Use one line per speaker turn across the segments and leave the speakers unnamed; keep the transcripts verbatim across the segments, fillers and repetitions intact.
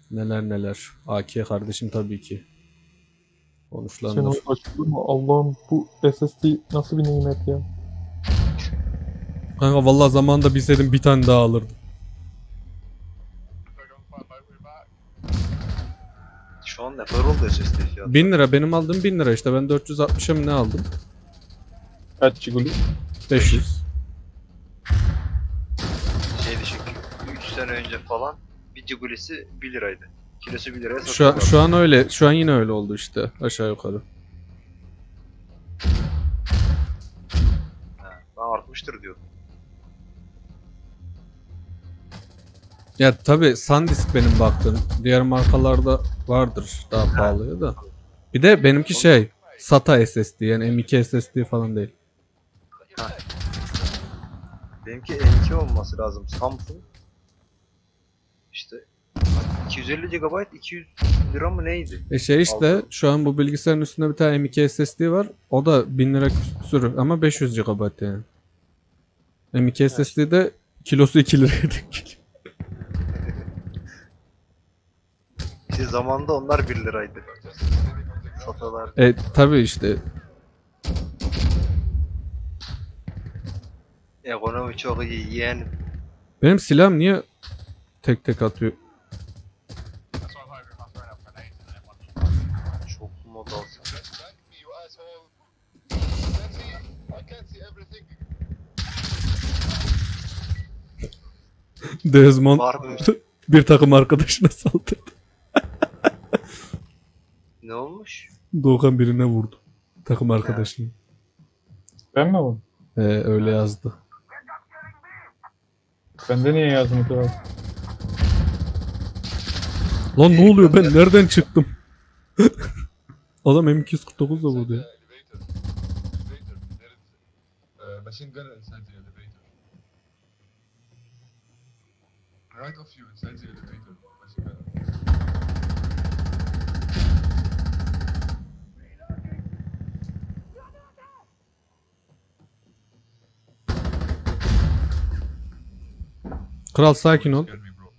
Neler neler. A K kardeşim tabii ki.
Sen
Konuşlanır.
o açılır mı? Allah'ım bu S S D nasıl bir nimet ya.
Kanka vallahi zamanında bilseydim bir tane daha alırdım.
Şu an ne kadar oldu S S D fiyatı?
bin lira benim aldığım bin lira işte ben dört yüz altmışa mı ne aldım?
Kaç Ciguli?
beş yüz.
Şeydi çünkü üç sene önce falan bir cigulesi bir liraydı. Kilosu bir liraya
Şu, an-
satıyorlardı.
şu an öyle. Şu an yine öyle oldu işte aşağı yukarı.
Ha, ben artmıştır diyordum.
Ya tabi SanDisk benim baktığım. Diğer markalarda vardır daha pahalıya da. Bir de benimki şey SATA S S D yani M iki S S D falan değil.
Benimki M iki olması lazım. Samsung. İşte iki yüz elli gigabayt iki yüz lira mı neydi?
E şey işte
Aldım.
şu an bu bilgisayarın üstünde bir tane M iki S S D var. O da bin lira küsür ama beş yüz gigabayt yani. M iki S S D'de kilosu iki liraya denk geliyor.
İşte zamanında onlar bir liraydı. Satalar.
E tabi işte
Ekonomi çok iyi yeğenim.
benim silahım niye tek tek atıyor?
Çok mod alsın.
Desmond
Var mı?
bir takım arkadaşına saldırdı.
Ne olmuş?
Doğukan birine vurdu. Takım arkadaşını.
Ben mi oğlum?
Ee, öyle yazdı.
Bende niye yazmadı abi?
Lan ne oluyor ben nereden çıktım? Adam M iki yüz kırk dokuz da vurdu ya.
Uh, machine gun inside the elevator. Right of you inside the elevator. Machine gun.
Kral sakin ol.
Scared me, bro.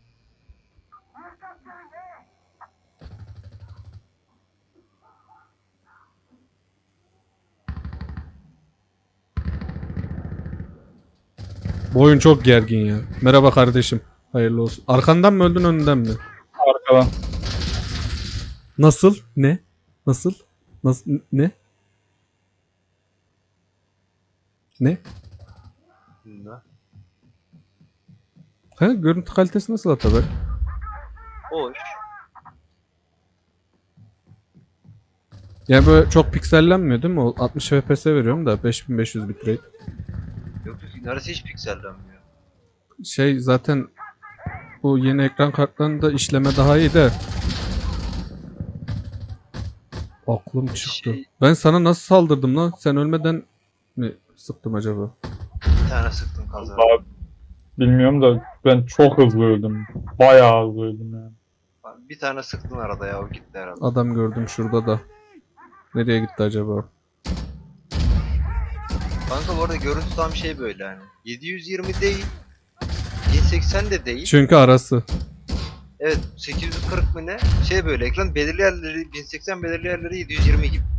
Bu oyun çok gergin ya. Merhaba kardeşim. Hayırlı olsun. Arkandan mı öldün önünden mi?
Arkadan.
Nasıl? Ne? Nasıl? Nasıl? Ne? Ne?
Ne?
Ha, görüntü kalitesi nasıl Atabek?
Hoş.
Yani böyle çok piksellenmiyor değil mi? O altmış F P S veriyorum da beş bin beş yüz bitrate.
Yok yok neredeyse hiç piksellenmiyor.
Şey zaten bu yeni ekran kartlarında işleme daha iyi de. Aklım çıktı.
Şey-
Ben sana nasıl saldırdım lan? Sen ölmeden mi sıktım acaba?
Bir tane sıktım kazara.
Vallahi bilmiyorum da ben çok hızlı öldüm. Bayağı hızlı öldüm yani.
Bir tane sıktın arada ya o gitti herhalde.
Adam gördüm şurada da. Nereye gitti acaba?
Kanka bu arada görüntü tam şey böyle hani. yedi yüz yirmi değil. bin seksen de değil.
Çünkü arası.
Evet sekiz yüz kırk mı ne? Şey böyle ekran belirli yerleri bin seksen belirli yerleri yedi yüz yirmi gibi.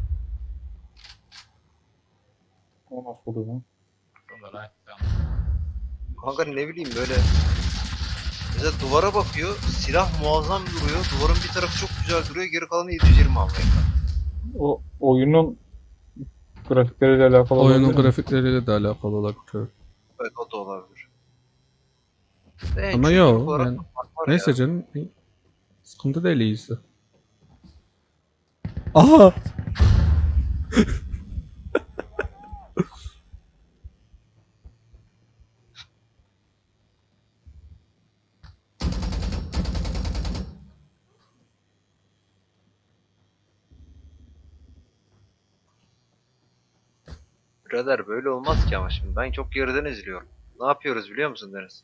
O nasıl oluyor lan?
From the right down.
Kanka ne bileyim böyle. Mesela duvara bakıyor. Silah muazzam duruyor. Duvarın bir tarafı çok güzel duruyor. Geri kalanı yedi yüz yirmi ama ekran.
O oyunun grafikleriyle alakalı
Oyunun
olabilir mi?
grafikleriyle de alakalı olabilir.
Evet o da olabilir. En
Ama
çözüm
yo,
olarak
ben-
var
Neyse
ya.
canım. Sıkıntı değil iyisi. Aha!
Birader böyle olmaz ki ama şimdi. Ben çok geriden izliyorum. Ne yapıyoruz biliyor musun Deniz?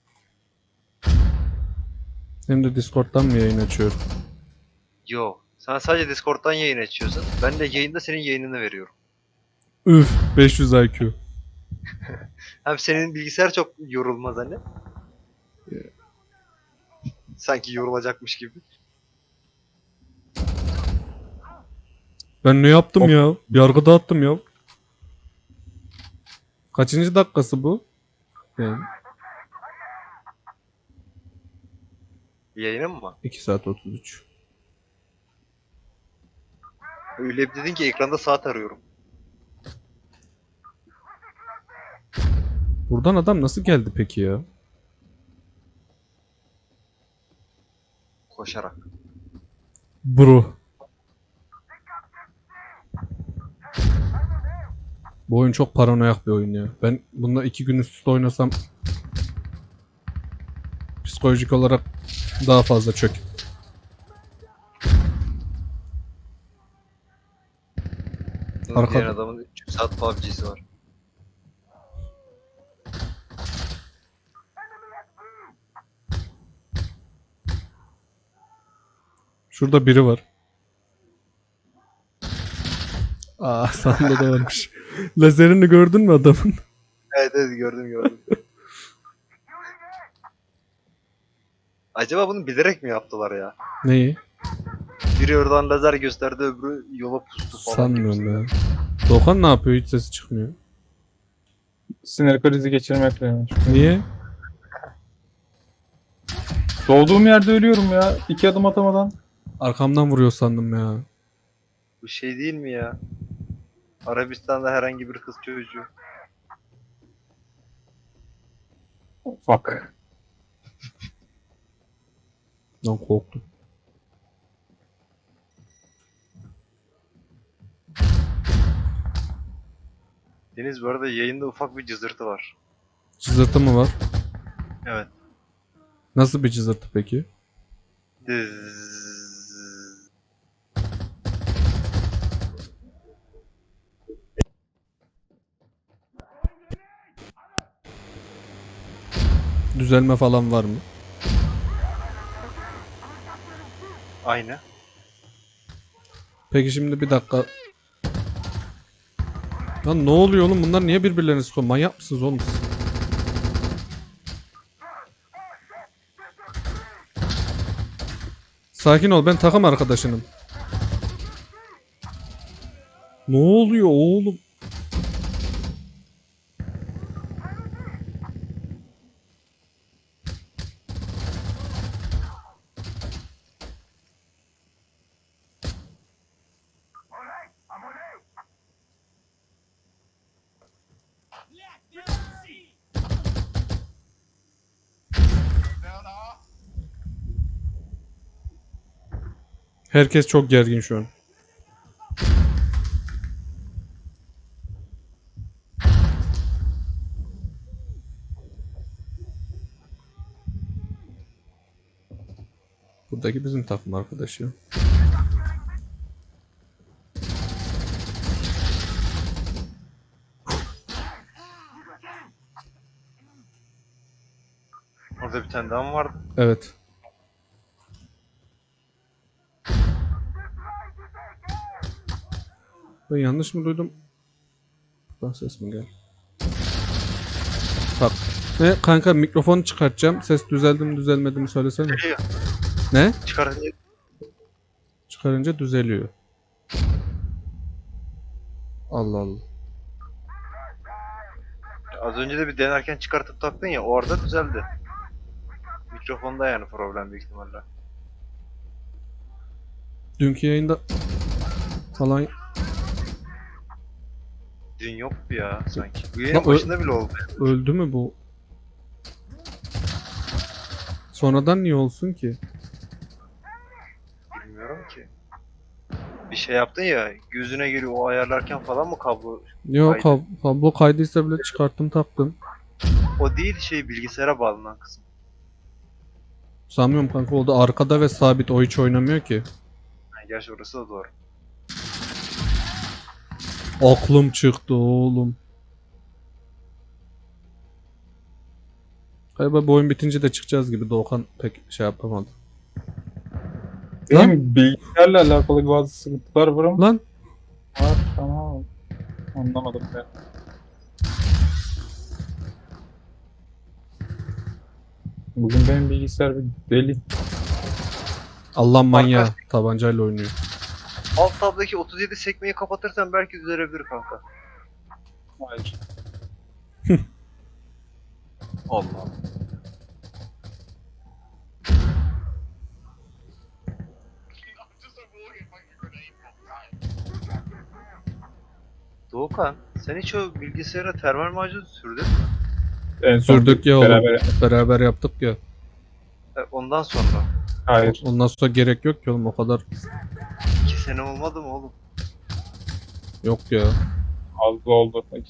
Hem de Discord'dan mı yayın açıyorum?
Yok. Sen sadece Discord'dan yayın açıyorsun. Ben de yayında senin yayınını veriyorum.
Üf, beş yüz I Q.
Hem senin bilgisayar çok yorulmaz hani. Sanki yorulacakmış gibi.
Ben ne yaptım
Of.
ya? Yargı dağıttım ya. Kaçıncı dakikası bu? Yani
Yayının mı?
iki saat otuz üç.
Öyle bir dedin ki ekranda saat arıyorum.
Buradan adam nasıl geldi peki ya?
Koşarak.
Bro. Bu oyun çok paranoyak bir oyun ya. Ben bununla iki gün üst üste oynasam psikolojik olarak daha fazla çök. Arka-
Diğer adamın üç yüz saat P U B G'si var.
Şurada biri var. Aa, sağında da varmış. Lazerini gördün mü adamın?
Evet evet gördüm gördüm. Acaba bunu bilerek mi yaptılar ya?
Neyi?
Biri oradan lazer gösterdi, öbürü yola pustu falan.
Sanmıyorum
gibisinden.
ya. Doğukan ne yapıyor? Hiç sesi çıkmıyor.
Sinir krizi geçirmekle yani.
Niye?
Doğduğum yerde ölüyorum ya. İki adım atamadan.
Arkamdan vuruyor sandım ya.
Bu şey değil mi ya? Arabistan'da herhangi bir kız çocuğu.
Fuck.
Lan korktum.
Deniz bu arada yayında ufak bir cızırtı var.
Cızırtı mı var?
Evet.
Nasıl bir cızırtı peki?
Dızz.
Düzelme falan var mı?
Aynı.
Peki şimdi bir dakika. Lan ne oluyor oğlum? Bunlar niye birbirlerini sıkıyor? Manyak mısınız oğlum siz? Sakin ol, ben takım arkadaşınım. Ne oluyor oğlum? Herkes çok gergin şu an. Buradaki bizim takım arkadaşı.
Orada bir tane daha mı vardı?
Evet. Ben yanlış mı duydum? Buradan ses mi geldi? Bak. Ve kanka mikrofonu çıkartacağım. Ses düzeldi mi düzelmedi mi söylesene.
Geliyor.
Ne?
Çıkar.
Çıkarınca düzeliyor. Allah Allah.
Az önce de bir denerken çıkartıp taktın ya, orada düzeldi. Mikrofonda yani problem büyük ihtimalle.
Dünkü yayında falan
Dün yoktu ya sanki. Bu
Lan
yayın
ö-
başında bile oldu.
öldü mü bu? Sonradan niye olsun ki?
Bilmiyorum ki. Bir şey yaptın ya, gözüne geliyor o ayarlarken falan mı kablo?
Yok
Kaydı.
kab- kablo kaydıysa bile çıkarttım taktım.
O değil şey, bilgisayara bağlanan kısım.
Sanmıyorum kanka, o da arkada ve sabit, o hiç oynamıyor ki.
Yani gerçi orası da doğru.
Aklım çıktı oğlum. Galiba bu oyun bitince de çıkacağız gibi, Doğukan pek şey yapamadı. Lan.
Benim bilgisayarla alakalı bazı sıkıntılar var ama.
Lan
Var, tamam. Anlamadım ben. Bugün benim bilgisayar bir deli.
Allah manyağı tabancayla oynuyor.
Alt tabdaki otuz yedi sekmeyi kapatırsan belki düzelebilir kanka.
Hayır.
Allah. Doğukan, sen hiç o bilgisayara termal macun sürdün mü?
En son
Sürdük ya oğlum.
beraber-
Beraber yaptık ya.
E, Ondan sonra.
Hayır.
Ondan sonra gerek yok ki oğlum, o kadar
iki sene olmadı mı oğlum?
yok ya.
Az oldu.